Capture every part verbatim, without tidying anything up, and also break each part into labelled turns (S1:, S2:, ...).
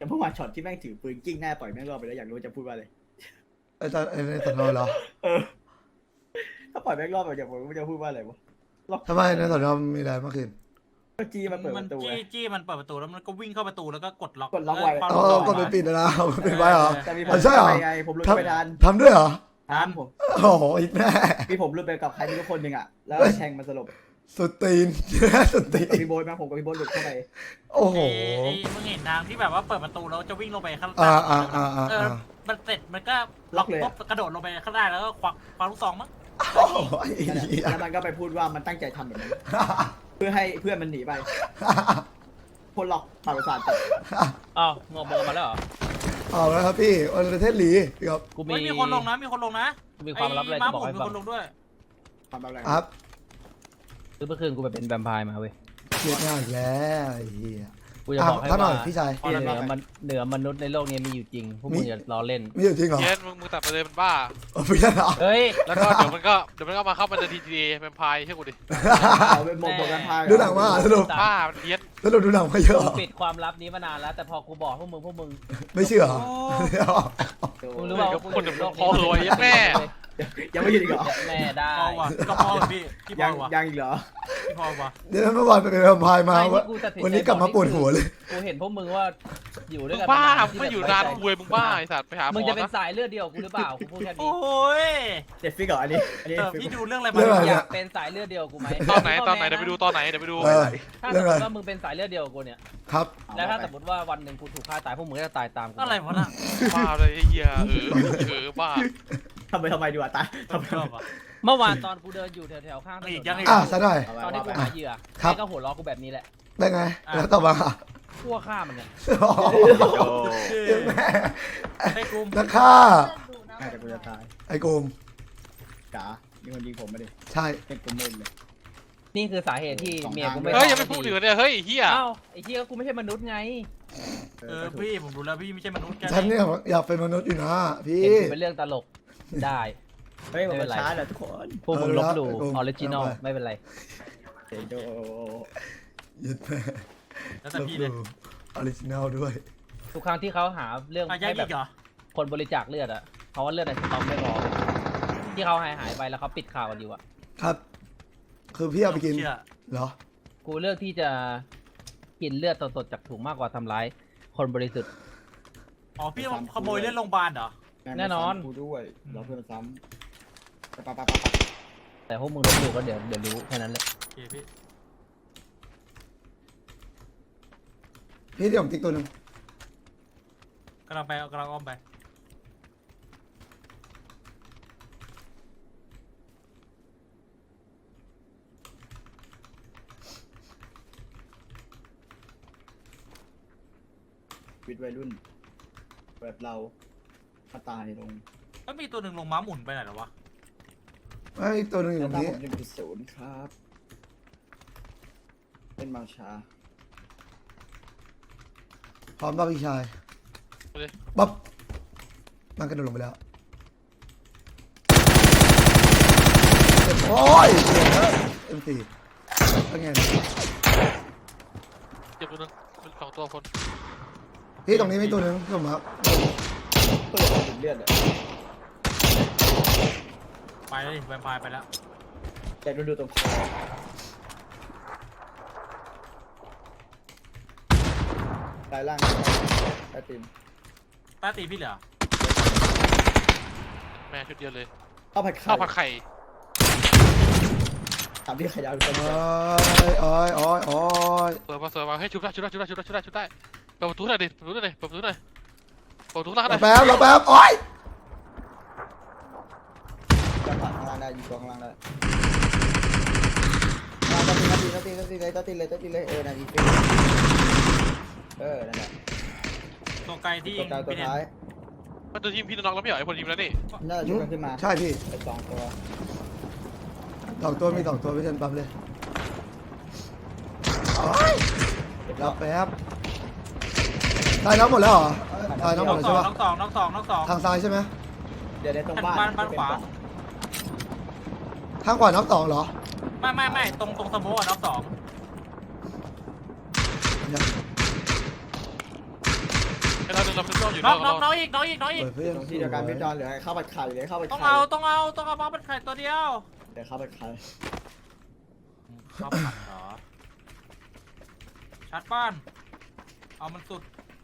S1: เมื่อวานช็อตที่แม่งถือปืนกิ้งหน้าต่อยแม่งรอบไปแล้วอยากรู้จะพูดว่าอะไร
S2: ไอ้ตอนไอ้ในตอนนอนเหรอ
S1: เออถ้าปล่อยแม่งรอบไปอยากรู้ว่าจะพูดว่าอะไรวะรอบ
S2: ทำไมในตอนนอนมีอะไรเมื่อคืน
S1: ก็จี้มันเปิดป
S3: มัน
S1: ระตู
S3: จี้
S1: ไง
S3: จี้มันเปิดประตูแล้วมันก็วิ่งเข้าประตูแล้วก็กดล็อก
S1: กดล็อกไว้
S3: เความ
S2: อ๋อ
S3: รู้สึ
S2: ก็ไปปิดนะก็ปิดไว้เหรอ
S1: แต่มีผ
S2: อ๋
S1: ม
S2: อใช่เหรอ
S1: ไปไงผมรุดไปทัน
S2: ทำด้วยเหรอ
S1: ทันผม
S2: โอ้โหอีกแม่
S1: มีผมรุดไปกับใครไม่รู้คนหนึ่งอ่ะแล้วแทงมันสลบ
S2: สุดตีน สุดตี
S1: กับ
S2: น
S1: พี่โบ๊ทมาผมกับพี่โบ๊ทหลุดเข้าไป
S2: โอ้โห
S3: ไอ้ไอ้มึงเห็นทางที่แบบว่าเปิดประตูแล้วจะวิ่งลงไปข้าง
S2: อ่า
S3: ล่าง
S2: อ่าอ่าอ่า
S3: เออมันเสร็จมันก็ล็อกปุ๊บกระโดดลงไปข้างล่างแล้วก็ควักควักลูกซองมั้ง
S2: โอ้โหไอ้
S1: นั่นแหละ
S2: เหี้ย
S1: แล้วมันก็ไปพูดว่ามันตั้งใจทำแบบนั้นเพื่อให้เพื่อนมันหนีไปคนหลอกปาดประสาทจัด
S4: อ้าวงงเบอร์มาแล้วเหรอ
S2: เอาแล้วครับพี่วันประเทศหลีครับ
S4: กูมี
S3: ไม่มีคนลงนะมีคนลงนะ
S4: กูมีความลับอะไร
S3: ม้า
S4: จะ
S3: ห
S4: บ
S3: มุ
S4: อก
S3: น
S4: ให้
S3: มี
S4: ฟัง
S3: คนลงด้วย
S1: ทำอะไร
S2: ครับ
S4: คือเมื่อคืนกูไปเป็นแวมไพร์มาเว้ย
S2: เครียดมากแล้วไอ้เหี้ย
S4: กูจะบอกให้
S2: อ่ะท่านหน่
S4: ว่า
S2: อยพี่ชาย
S4: เหนือมันเหนือมนุษย์ในโลกนี้มีอยู่จริง พวกมึงอย่าล้อเล่น
S2: มีอยู่จริงเหรอ
S5: เย็นมึงมึงตัดไปเลยมันบ้า
S2: โอ้พี่ชายเหรอ
S4: เฮ้ย
S5: แล้วก็เดี๋ยวมันก็เดี๋ยวมันก็มาเข้ามาในทีทีเป็นพายเชื่อกูดิ
S1: เอาเป็นหมกหมกกันพาย
S2: ดูหนังมาสรุป
S5: บ้ามันเพี้ยน
S2: สรุปดูหนังมาเยอะเหร
S4: กู
S2: อ
S4: ปิดความลับนี้มานานแล้ว แต่พอกูบอกพวกมึงพวกมึง
S2: ไม่เชื่อเหรอ
S4: มึงรู้เปล่าว่ากู
S5: คน
S4: อยู่
S5: เดี๋ยว
S4: โลก
S5: พอรวยแม่
S1: ยังไม่หยุดอีกเหรอ
S4: แม่ได้
S3: พอว่ะก็พอว่ะพี่พี่พ
S1: ยั
S3: อง ว่ะ
S1: ยังอีกเหรอ
S3: พี่พอว่ะ
S2: เดี๋ยวเมื่อวานไปเป็นแวมไพร์มา
S4: ไม่
S2: วะ
S4: ที่กูตัดสินใจ
S2: วันนี้กลับมาปวดหัวเลย
S4: กูเห็นพวกมึงว่าอยู่ด้
S5: มึ
S4: วย
S5: ง
S4: กัน
S5: บ้า
S4: ที่
S5: มึงไม่อยู่นานคุยมึงบ้าไอสัตว์ไปหาหม
S4: มึง
S5: อ
S4: จะเป็น
S5: นะ
S4: สายเลือดเดียวกูหรือเปล่ากูพูดแค่นี้
S3: โอ้ย
S1: เด็ดฟิกเหรออันนี้อันนี้
S3: เออ
S1: ฟิก
S3: พี่ดูเรื่องอะไร
S2: เรื่อง
S3: มา
S2: อะไร
S4: อยากเป็นสายเลือดเดียวกูไหม
S5: ตอนไหนตอนไหนเดี๋ยวไปดูตอนไหนเดี๋ยวไปดู
S2: เออ
S4: ถ้าส
S2: เรื่อ
S4: ม
S2: ง
S4: ม
S2: อะไร
S4: ติว่ามึงเป็นสายเลือดเดียวกับกูเนี่ย
S2: ครับ
S4: แล้วถ้าสมมติว่าวันหนึ่งกูถูกฆ่าตายพวกมึงก็จะตายตามกู
S3: อะไรวะน่ะ
S5: บ้าเลยไอ้เหี้ยเออเออบ้า
S1: ทำไมทำไมดีกว่าตายทำไม
S3: ชอบอ่ะ
S4: เมื่อวานตอนกูเดินอยู่แถวๆข้างถน
S3: อีก
S4: น
S3: ยังอีก
S2: อ่ะซะหน่อย
S4: ตอนที่กูหาเหยื่อ
S2: ครับ
S4: แม่ก็หัวล้อกูแบบนี้แหละ
S2: ได้ไง แล้วต่อมา
S4: ขั้วฆ่ามันเนี่ย
S2: โอ้โหแม่
S3: ไอ้กู
S2: นักฆ่า
S1: น่าจะกูจะตาย
S2: ไอ้โกม
S1: จ๋ามีคนยิงผมมาดิ
S2: ใช่
S1: เป็นกูเม่นเลย
S4: นี่คือสาเหตุที่เมียกูไม่
S5: เฮ้ยยังไม่พูดถึงเนี่ยเฮ้ยไอ้เหี้ย
S4: เอ้าไอ้เหี้ยกูไม่ใช่มนุษย์ไง
S1: เอ
S3: เอ
S1: อ
S3: อพี่ผมดูแล้วพี่ไม่ใช่มนุษย์แก
S2: ฉันเนี่ยอยากเป็นมนุษย์อยู่นะพี่
S4: เห็นกูเป็นเรื่องตลกได้
S1: เฮ้ยมันช้าเหรอทุกคน
S4: พวกมึงลบหลู่
S2: เออ
S4: ออริจินอล
S2: เอาไป
S4: ไม่เป็นไร
S1: เดี๋ยวโด
S2: ยึดแม่
S3: แล้วแต่พี่เลย
S2: ออริจินัลด้วย
S4: ทุกครั้งที่เขาหาเรื่อง
S3: อ่ะยัง
S4: ให้แบ
S3: อี
S4: บ
S3: กเหรอ
S4: คนบริจาคเลือดอะเพราะว่าเลือดในสต็อกไม่พอที่เขาหายหายไปแล้วเขาปิดข่าวกันอยู่อะ
S2: ครับ คือพี่เอาไปกิน
S3: เชื่อ
S2: เหรอ
S4: กูเลือกที่จะกินเลือดสดๆจากถุงมากกว่าทำร้ายคนบริสุทธิ์
S3: อ๋อพี่ขโมยเล่นโรงพยาบาลเหรอ
S4: แน่นอน
S1: กูด้วยเราเพื่อนซ้ำปะปะปะปะ
S4: แต่พวกมึงลบหลู่ก็เดี๋ยวเดี๋ยวรู้แค่นั้นแหละ
S3: โอเคพี่
S2: พี่เดี๋ยวผมติ๊กตัวหนึง
S3: กำลังไปกำลังอ้อมไป
S1: วิทย์วัยรุ่น แบบเราถ้าตายลง
S3: แล้วมีตัวหนึ่งลงม้าหมุนไปไหนหรอวะ
S2: ไม่อีกตัวหนึงอยู่
S1: แล้
S2: ต
S1: ว
S2: รง
S1: ตาม
S2: นี้
S1: ผมหนึ่งจุดศูนย์ครับเป็นบางชา
S2: พร้อมป่ะพี่ชาย
S5: เอาดิ
S2: ปั๊บมันกระโดดลงไปแล้วโอ้ยเอ็มสี่เป็นไงเนี่ย
S5: เจ็บตัวนึงเป็นสองตัวคน
S2: พี่ตรงนี้มีตัวหนึงพี่ผมครับ
S1: เพื่อจะถึงเลือดเลย
S3: ไปเลยแวมไพร์ไปแล้ว
S1: แต่ดูดูตรงคอสายล่างใต้ตีน
S3: ต้าตีพี่เหรอ
S5: แม่ชุดเดียวเลย
S1: ข้าวผัดไข่
S5: ข้าวผัดไข่
S1: ถามพี่ไข่ดาวทุกคน
S2: โอ้ยโอ้ยโอ้ยโอ้ย
S5: เปิดมาเปิดมาให้ชุบได้ชุบได้ชุบได้ชุบได้ชุบได้ชุบได้เปิดประตูหน่อยดิเปิดประตูหน่อยดิเปิดประตูหน่อยเปิดประตูหน้าห
S2: ร
S5: น่
S2: อ
S5: อย
S2: แป๊บรอแป๊บโอ้ย
S1: จะผ่านข้างล่างได้อยู่ข้างล่างได้มาตัดตีตัดตีตัดตีตัดตีเลยตัดตีเลยตัดตีเลยเออนาทีฟิเออนั่นแหละ
S3: ตัวไกลที่
S1: ตัวกลางตัว
S3: พี่เน้น
S1: ท้าย
S5: มันตัวทีมพี่น้องแล้วไม่เหรอไอ้คนทีมแล้วนี่
S1: น่าจะชุบกันขึ้นมา
S2: ใช่พี่
S1: ไปสองตัว
S2: สองตัวมีสองตัวพี่เชนปั๊บเลยโอ้ยรอแป๊บตายน้ำหมดแล้วเหรอตายน้ำหม
S3: น้
S2: ด
S3: อง
S2: แล้ว
S3: สอ
S2: ใช่
S3: ง
S2: ปะ
S3: น้องสองน้องสองน้องสอง
S2: ทางซ้ายใช่ไหม
S1: เดี๋ยวในตรงบ้าน
S3: บ้านบ้านขวา
S2: ทางขวาน้ำสองเหรอ
S3: ไม่ไม่ไม่ตรงตรงสโมอ่ะน้องสอง
S5: ไเราเราเราอยู่
S3: น้
S5: เรา
S3: องน้
S5: เรา
S3: องน้องอีกน้องอีกน้องอีก
S2: เปิดเพื่อน
S1: ตรงที่เดียวกันพี่จอนเหลือข้าวผัดไข่เหลือข้าวผัด
S3: ต้อง
S1: ไข่
S3: เอาต้องเอาต้องเอามาเป็นไข่ตัวเดียว
S1: เหลือข้าวผัดไข่
S3: ข้าวผัดเหรอชัดบ้านเอามันสุด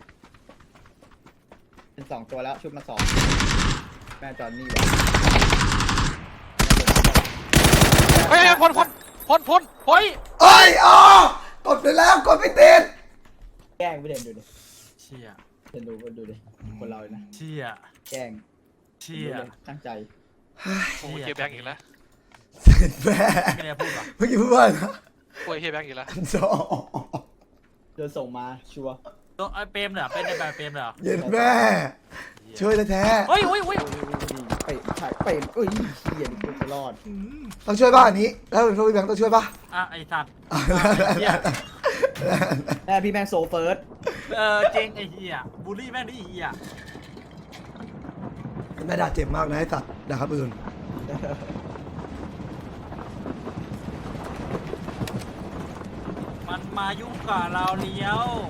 S1: เป็นสองตัวแล้วชุดมาสองแม่จอนนี่วะ
S5: เฮ้ยพ่นพ่นพ่นพ่นพ่น
S3: เฮ้ย
S2: เอ้ยอ๋อกดไปแล้วกดไม่ติด
S1: แกล้งพี่เด่นดูดิ
S3: เชี่ย
S1: เด่นดูดูดิคนเราเลยนะ
S3: เชี่ย
S1: แกล้ง
S3: เชี่ย
S1: ดูเลยตั้งใจ
S5: โอ้ยเฮียแบงค์อีกแล้ว
S2: เสร็จแม่
S3: ไม่ได้พูดหรอ
S2: เมื่อกี้พูดว่าอะไรนะ
S5: โอ้ยเฮียแบงค์อีกแล้ว
S2: อันสอง
S1: เดินส่งมาชัวร์
S3: ตัวไอ้เปรมเหรอเป็นในแบบเปรมเหรอ
S2: เย็นแม่ช่วยแท้
S3: เฮ้ยเฮ้ยเฮ้ย
S1: เปะไข่เปะเอ้ยเหี้ยนี่กูจะรอด
S2: ๆต้องช่วยป่ะอันนี้แล้วเป็นพวกพี่แบงค์ต้องช่วยป่ะ
S3: อ่ะไอ้สัตว์
S2: อ่ะ
S3: เหี้ย
S1: แม่พี่แม่งโซเฟิร์ส
S3: เออเจงไอ้เหี้ยบูลลี่แม่งนี่ไอ้เหี้ย
S2: แม่ด่าเจ็บมากนะไอ้สัตว์ด่าครับอื่น
S3: มันมายุ่งกับเราเลี้ยว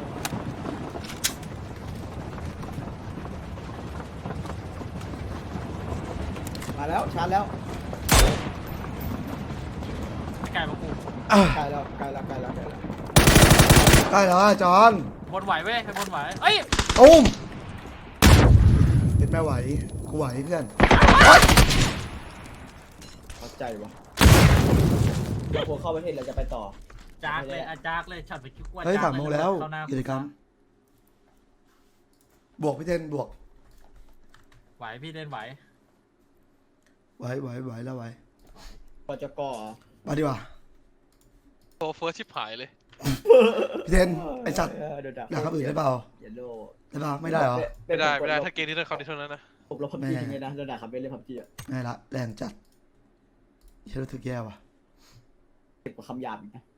S1: มาแล้วชาร์จแล้ว
S3: ไก่มากู
S2: อ่ะ
S1: ใกล้แล้วใกล้แล้วใกล้แล้วใกล้แล้ว
S2: ได้แล้วอ่ะจอน
S3: บนไหวเว้ยไปบนไหวเอ้ย
S2: ตุ้มเป็นแม่ไหวกูไหวเพื่อน
S1: เข้าใจวะเราพวกเข้าประเทศเราจะไปต่อ
S3: จากเลยอาจากเลยฉันไปคิดว่า
S2: เฮ้ย
S3: จาก
S2: สามโมงแล้ว
S3: เข้าหน้า
S2: กิจกรรมบวกพี่เทนบวก
S3: ไหวพี่เล่นไหว
S2: ไหวไหวไหวแล้วไหว
S1: ปจก
S2: มาดีกว่า
S5: โซเฟิร์สชิบหายเลย
S2: พี่เทนไอสัตว์
S1: เโดนด่า
S2: ด่าครับอื่นได้เปล่า
S1: เยลโล่
S2: ได้เปล่าไม่ได้เหรอ
S5: ไม่ได้ไม่ได้ถ้าเกมนี้ต้องคำนี้เท่านั้นนะ
S1: ผมลบพับจีทิ้งเลยนะโดนด่าครับเป็นเล่นพับจีอะ
S2: ไม่ละแรงจัดเชื่อรู้สึกแย่ว่ะ
S1: เก็บกว่าคำหยาบอีกนะ